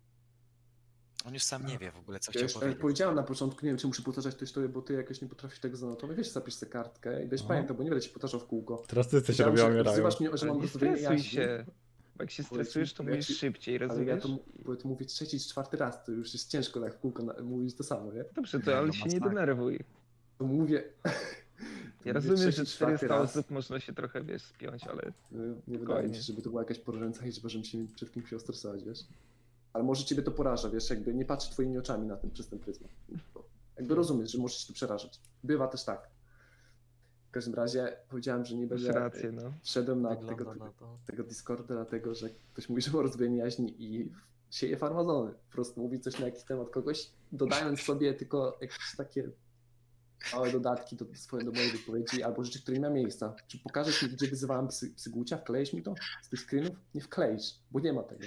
Speaker 1: On już sam nie wie w ogóle, co chciał
Speaker 2: Wiesz, e,
Speaker 1: powiedzieć.
Speaker 2: powiedziałem na początku, nie wiem czy muszę powtarzać to historię, bo ty jakoś nie potrafisz tego zanotować, wiesz zapisz sobie kartkę i będziesz
Speaker 3: Aha.
Speaker 2: pamiętał, bo nie będę ci powtarzał w kółko.
Speaker 3: Teraz ty coś
Speaker 2: Powiedziałem,
Speaker 3: robią,
Speaker 2: że
Speaker 3: umierają.
Speaker 2: wzywasz mnie, że
Speaker 8: Ale
Speaker 2: mam
Speaker 8: nie
Speaker 2: rozdwojenie
Speaker 8: stresuj
Speaker 2: jaźni,
Speaker 8: się. Bo jak się
Speaker 2: Bo ja ci-
Speaker 8: stresujesz, to
Speaker 2: bo ja
Speaker 8: mówisz
Speaker 2: ci-
Speaker 8: szybciej,
Speaker 2: ale ja
Speaker 8: rozumiesz?
Speaker 2: to, mu- bo ja to mówię trzeci czy czwarty raz, to już jest ciężko tak w kółko na, mówić to samo, nie?
Speaker 8: Dobrze,
Speaker 1: Nie,
Speaker 8: to ale
Speaker 1: no
Speaker 8: się nie
Speaker 1: masakra.
Speaker 8: denerwuj.
Speaker 2: To mówię... to
Speaker 8: Ja
Speaker 2: mówię
Speaker 8: rozumiem,
Speaker 2: trzeci,
Speaker 8: że
Speaker 2: czwarty
Speaker 8: czterysta
Speaker 2: raz.
Speaker 8: osób można się trochę, wiesz, spiąć, ale
Speaker 2: Y, Nie wydaje
Speaker 8: Spokojnie.
Speaker 2: mi się, żeby to była jakaś porażająca liczba, żebym się przed kimś chciał stresować, wiesz? Ale może ciebie to poraża, wiesz, jakby nie patrzę twoimi oczami na tym przez ten pryzmat. Bo Jakby rozumiesz, że może się to przerażać. Bywa też tak. W każdym razie powiedziałem, że nie
Speaker 8: masz
Speaker 2: będę...
Speaker 8: rację, no.
Speaker 2: Wszedłem na
Speaker 5: Wygląda
Speaker 2: tego,
Speaker 5: na to.
Speaker 2: tego Discorda, dlatego że ktoś mówi, że ma rozdwojenie jaźni i sieje farmazony. Po prostu mówi coś na jakiś temat kogoś, dodając sobie tylko jakieś takie małe dodatki do, swoje, do mojej wypowiedzi albo rzeczy, które nie ma miejsca. Czy pokażesz mi, gdzie wyzywałem psy, psygucia? Wkleisz mi to z tych screenów? Nie wkleisz, bo nie ma tego.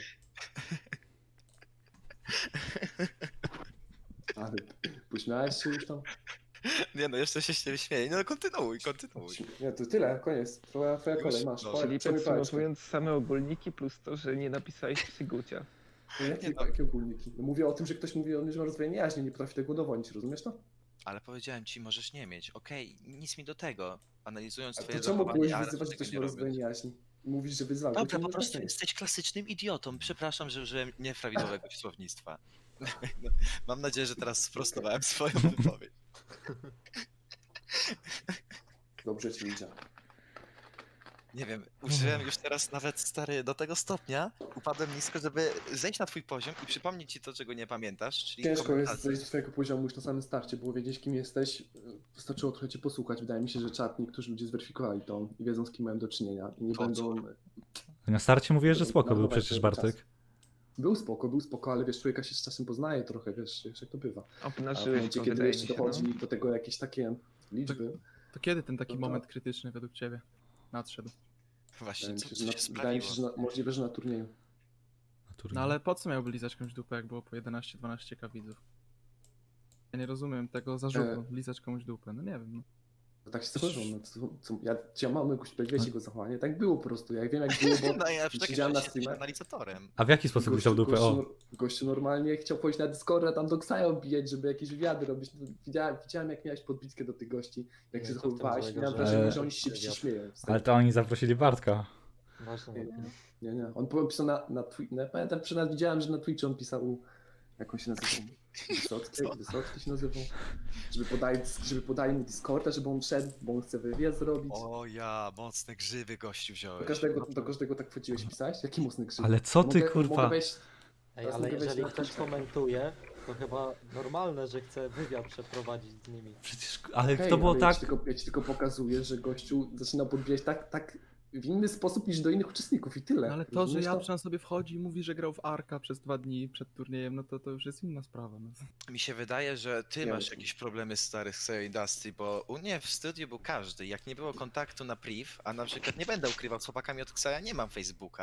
Speaker 2: Ale pośmiałeś się już tam?
Speaker 1: Nie no, jeszcze się z ciebie śmieję. No kontynuuj, kontynuuj.
Speaker 2: Nie, to tyle, koniec. Twoja, twoja
Speaker 1: Już?
Speaker 2: kolej, masz.
Speaker 1: No,
Speaker 2: Chodź,
Speaker 8: Czyli
Speaker 2: przejmij pałeczkę.
Speaker 8: podsumowując same ogólniki plus to, że nie napisałeś psygucia.
Speaker 2: Jakie,
Speaker 1: Nie, no.
Speaker 2: jakie ogólniki? No mówię o tym, że ktoś mówi o mnie, że ma rozdwojenie jaźni, nie potrafi tego udowodnić, rozumiesz to?
Speaker 1: Ale powiedziałem ci, możesz nie mieć. Okej, nic mi do tego. Analizując
Speaker 2: A
Speaker 1: twoje
Speaker 2: to czemu
Speaker 1: zachowanie,
Speaker 2: byłeś
Speaker 1: ale
Speaker 2: wyzywać, że
Speaker 1: tego
Speaker 2: ktoś
Speaker 1: nie
Speaker 2: ma
Speaker 1: robiąc.
Speaker 2: rozdwojenie jaźni? Mówisz, że wyzwał.
Speaker 1: Dobra,
Speaker 2: Czemu
Speaker 1: po
Speaker 2: nie
Speaker 1: prostu
Speaker 2: rozdwojenie?
Speaker 1: jesteś klasycznym idiotą. Przepraszam, że użyłem nieprawidłowego słownictwa. No, mam nadzieję, że teraz sprostowałem swoją wypowiedź.
Speaker 2: Dobrze ci idzie.
Speaker 1: Nie wiem, użyłem już teraz nawet stary do tego stopnia, upadłem nisko, żeby zejść na twój poziom i przypomnieć ci to, czego nie pamiętasz, czyli
Speaker 2: Ciężko jest
Speaker 1: komentarze.
Speaker 2: zejść do swojego poziomu już na samym starcie, było wiedzieć kim jesteś. Wystarczyło trochę cię posłuchać. Wydaje mi się, że czat, niektórzy ludzie zweryfikowali to i wiedzą z kim mają do czynienia. I nie
Speaker 1: Po co?
Speaker 2: będą...
Speaker 3: Na starcie mówiłeś, że spoko był
Speaker 2: marnować
Speaker 3: przecież
Speaker 2: swojego
Speaker 3: Bartek.
Speaker 2: czasu. Był spoko, był spoko, ale wiesz, człowieka się z czasem poznaje trochę, wiesz, wiesz jak to bywa. A w
Speaker 8: Obnażyłeś
Speaker 2: momencie,
Speaker 8: to,
Speaker 2: kiedy
Speaker 8: wydaje mi
Speaker 2: jeszcze
Speaker 8: się,
Speaker 2: dochodzi
Speaker 8: no.
Speaker 2: do tego jakieś takie liczby,
Speaker 7: To kiedy ten taki
Speaker 2: No to-
Speaker 7: moment krytyczny według ciebie nadszedł?
Speaker 1: Właśnie,
Speaker 2: wydaje mi
Speaker 1: co,
Speaker 2: się,
Speaker 1: co
Speaker 2: że,
Speaker 1: się
Speaker 2: na, wydaje mi się,
Speaker 1: sprawiło?
Speaker 2: że na, możliwe, że na turnieju.
Speaker 3: Na turnieju.
Speaker 7: No ale po co miałby lizać komuś dupę, jak było po jedenaście dwanaście k widzów? Ja nie rozumiem tego zarzutu, lizać komuś dupę, no nie wiem. No.
Speaker 2: To tak się zdarzyło. No, co, co, ja, czy ja mam jakąś wiecie jego zachowanie? Tak było po prostu. Ja wiem jak było, bo
Speaker 1: No ja przecież
Speaker 2: siedziałem na
Speaker 1: jesteś
Speaker 2: streamach.
Speaker 1: analizatorem.
Speaker 3: A w jaki sposób lizał dupę?
Speaker 2: gościu,
Speaker 3: O,
Speaker 2: no- gościu normalnie chciał pójść na Discorda, tam do Ksaja bijać, żeby jakieś wywiady robić. No, Widziałem, widziałem jak miałeś podbitkę do tych gości, jak
Speaker 5: Nie,
Speaker 2: się
Speaker 5: co w tym
Speaker 2: zachowywałeś.
Speaker 5: złego,
Speaker 2: Miałem
Speaker 5: że-
Speaker 2: wrażenie, że oni
Speaker 3: Ale-
Speaker 2: się
Speaker 5: wywiad.
Speaker 2: śmieją. z tego.
Speaker 3: ale to oni zaprosili Bartka.
Speaker 5: Ważne.
Speaker 2: Nie, nie, nie, nie. On pisał na, na Twitch, no, pamiętam, przynajmniej widziałem, że na Twitchu on pisał, jak on się nazywał? Wysocki,
Speaker 1: Co?
Speaker 2: Wysocki się nazywał. Żeby podali, żeby podali mu Discorda, żeby on szedł, bo on chce wywiad zrobić.
Speaker 1: O ja, mocne grzywy gościu
Speaker 2: Do
Speaker 1: wziąłeś.
Speaker 2: każdego, do każdego tak wchodziłeś i pisałeś? Jaki mocny krzyk?
Speaker 3: Ale co ty,
Speaker 2: Mogę-
Speaker 3: kurwa?
Speaker 2: Mogę wejść,
Speaker 5: Ej,
Speaker 2: Teraz
Speaker 5: ale
Speaker 2: mogę wejść
Speaker 5: jeżeli
Speaker 2: na
Speaker 5: ktoś
Speaker 2: Twitcha.
Speaker 5: komentuje, to chyba normalne, że chce wywiad przeprowadzić z nimi.
Speaker 3: Przecież, ale
Speaker 2: Okej,
Speaker 3: to było
Speaker 2: ale
Speaker 3: tak...
Speaker 2: Ja ci, tylko, ja ci tylko pokazuję, że gościu zaczyna podbijać tak, tak w inny sposób niż do innych uczestników i tyle.
Speaker 7: No ale to, że
Speaker 2: Rozumiesz
Speaker 7: Japczan sobie wchodzi i mówi, że grał w Arka przez dwa dni przed turniejem, no to to już jest inna sprawa. No.
Speaker 1: Mi się wydaje, że ty
Speaker 2: Nie
Speaker 1: masz
Speaker 2: wiem.
Speaker 1: jakieś problemy stary z Xayo Industry, bo u mnie w studiu był każdy. Jak nie było kontaktu na priv, a na przykład nie będę ukrywał, z chłopakami od Xaya nie mam Facebooka,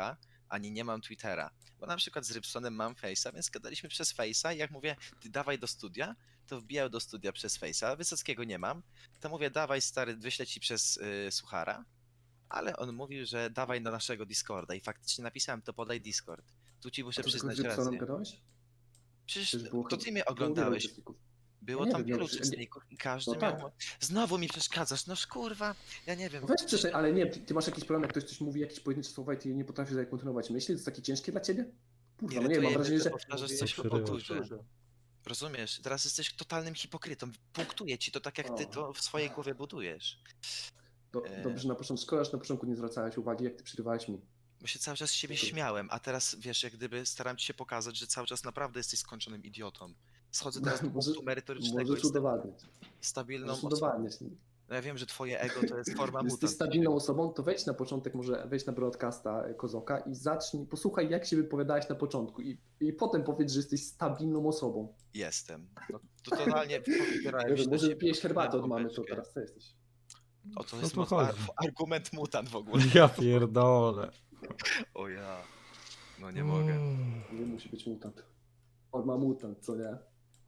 Speaker 1: ani nie mam Twittera. Bo na przykład z Rybsonem mam Face'a, więc gadaliśmy przez Face'a i jak mówię, ty dawaj do studia, to wbijał do studia przez Face'a, Wysockiego nie mam, to mówię, dawaj stary, wyślę ci przez y, Suchara, ale on mówił, że dawaj na naszego Discorda i faktycznie napisałem, to podaj Discord. Tu ci muszę
Speaker 2: A to tylko z
Speaker 1: przyznać
Speaker 2: Rybsonem
Speaker 1: rację.
Speaker 2: gadałeś?
Speaker 1: Przecież
Speaker 2: Przecież było
Speaker 1: to
Speaker 2: chyba-
Speaker 1: ty mnie
Speaker 2: było wielu
Speaker 1: oglądałeś.
Speaker 2: uczestników.
Speaker 1: Było
Speaker 2: nie
Speaker 1: tam
Speaker 2: wiem,
Speaker 1: wielu
Speaker 2: no, że-
Speaker 1: uczestników i każdy
Speaker 2: No
Speaker 1: miał...
Speaker 2: tak.
Speaker 1: Znowu mi przeszkadzasz, noż kurwa, ja nie wiem.
Speaker 2: No weź przestań, ale nie, ty masz jakiś problem, jak ktoś coś mówi, jakieś pojedyncze słowa i ty nie potrafisz dalej kontynuować myśli, to jest takie ciężkie dla ciebie? Kurwa, no nie wiem, mam wrażenie, że...
Speaker 1: powtarzasz
Speaker 5: Mówię,
Speaker 1: coś po
Speaker 3: przerywasz.
Speaker 1: powtórze. Rozumiesz? Teraz jesteś totalnym hipokrytą. Punktuję ci to tak, jak ty
Speaker 2: O.
Speaker 1: to w swojej głowie budujesz.
Speaker 2: Do,
Speaker 1: e-
Speaker 2: dobrze, że na początku, szkoda, że na początku nie zwracałeś uwagi, jak ty przerywałeś mi.
Speaker 1: Bo się cały czas z siebie
Speaker 2: No to-
Speaker 1: śmiałem, a teraz wiesz, jak gdyby staram ci się pokazać, że cały czas naprawdę jesteś skończonym idiotą. Schodzę teraz do
Speaker 2: Może-
Speaker 1: punktu merytorycznego.
Speaker 2: Możesz
Speaker 1: Jestem
Speaker 2: udowadniać.
Speaker 1: stabilną
Speaker 2: Możesz
Speaker 1: osobą.
Speaker 2: udowadniać.
Speaker 1: No ja wiem, że twoje ego to jest forma
Speaker 2: Jesteś
Speaker 1: mutant.
Speaker 2: stabilną osobą, to wejdź na początek, może wejdź na broadcasta e, Kozoka i zacznij, posłuchaj, jak się wypowiadałeś na początku i, i potem powiedz, że jesteś stabilną osobą.
Speaker 1: Jestem. No, to totalnie wybierałem
Speaker 2: Nie
Speaker 1: się
Speaker 2: wiem,
Speaker 1: do
Speaker 2: może
Speaker 1: siebie,
Speaker 2: pijesz herbatę od
Speaker 1: miałem
Speaker 2: mamy, to
Speaker 1: pompeczkę.
Speaker 2: teraz co jesteś?
Speaker 1: O, to
Speaker 3: Co
Speaker 1: jest
Speaker 3: tu
Speaker 1: moc-
Speaker 3: chodzi?
Speaker 1: ar- argument mutant w ogóle.
Speaker 3: Ja pierdolę.
Speaker 1: O ja. No nie mogę.
Speaker 2: Nie musi być mutant. On ma mutant, co nie?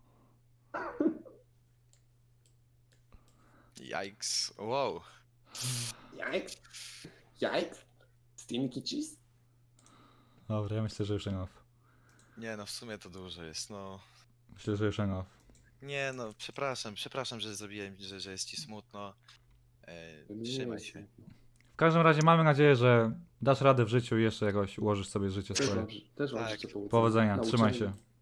Speaker 1: Yikes. Wow.
Speaker 2: Jajks? Jajks? Stinky cheese?
Speaker 3: Dobra, ja myślę, że już enough.
Speaker 1: Nie no, w sumie to dużo jest, no.
Speaker 3: Myślę, że już enough.
Speaker 1: Nie no, przepraszam, przepraszam, że zrobiłem, że, że jest ci smutno. E, trzymaj się.
Speaker 3: W każdym razie mamy nadzieję, że dasz radę w życiu i jeszcze jakoś ułożysz sobie życie
Speaker 2: Też
Speaker 3: swoje.
Speaker 2: mam, też mam
Speaker 1: Tak.
Speaker 2: życzę powodzenia.
Speaker 3: Powodzenia,
Speaker 2: Nauczenia.
Speaker 3: trzymaj się.